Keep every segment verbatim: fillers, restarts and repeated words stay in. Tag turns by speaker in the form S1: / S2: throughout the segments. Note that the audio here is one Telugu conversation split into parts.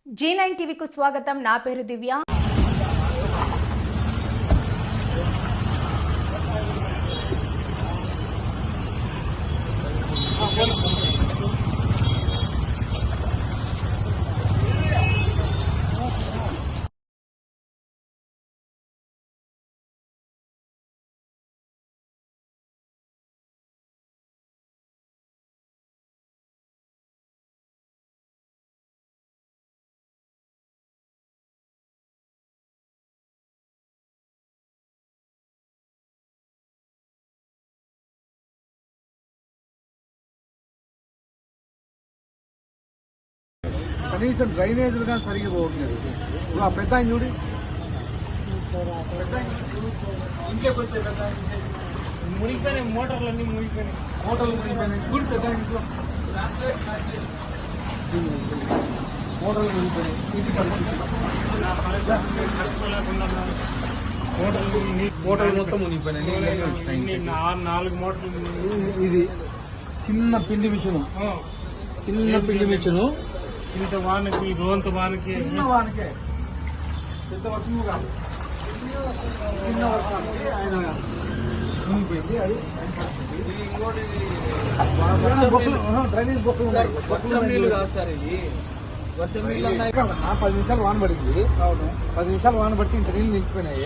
S1: జీ నైన్ టీవీకు స్వాగతం. నా పేరు దివ్య.
S2: కనీసం డ్రైనేజీలు కానీ సరిగ్గా పోవట్లేదు. ఇప్పుడు ఆ పెద్ద ఆయన చూడి ఇంట్లోకి వచ్చే పెద్ద
S3: మునిగిపోయినాయి, మోటార్లన్నీ మునిగిపోయినాయి,
S2: మోటార్లు మునిగిపోయినాయి. చూడు పెద్ద ఇంట్లో మోటార్లు మునిగిపోయినాయి. ఇంటి పరిస్థితి మోటార్లు మొత్తం మునిగిపోయినాయి.
S3: నాలుగు మోటార్లు.
S2: ఇది చిన్న పిండి మిషను, చిన్న పిండి మిషను.
S3: ఇంత వానకి రోంత వానకి
S2: చిన్న వానికే పెద్ద వర్షము కాదు, చిన్న వర్షానికి ఆయన మునిగిపోయింది. అది డ్రైనేజ్ బొక్కలు ఉన్నాయి. పది నిమిషాలు వాన పడింది. అవును, పది నిమిషాలు వాన పట్టి ఇంత నీళ్ళు నిలిచిపోయినాయి.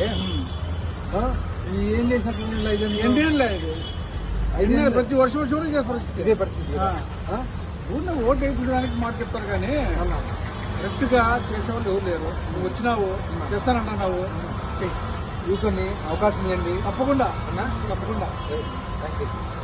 S2: ఏం చేసినట్లు నీళ్ళు ఐదు
S4: ఎన్నేళ్ళు లేదు,
S2: ఐదు
S4: ప్రతి వర్షం వర్షం ఇదే పరిస్థితి.
S2: ఇదే పరిస్థితి.
S4: ఊరిని ఓటు వేయించడానికి మాట చెప్తారు కానీ కరెక్ట్ గా చేసేవాళ్ళు ఎవరు లేరు. నువ్వు వచ్చినావు, చేస్తానంటున్నావు,
S2: యూత్ అవకాశం ఇవ్వండి
S4: తప్పకుండా
S2: తప్పకుండా. Thank you.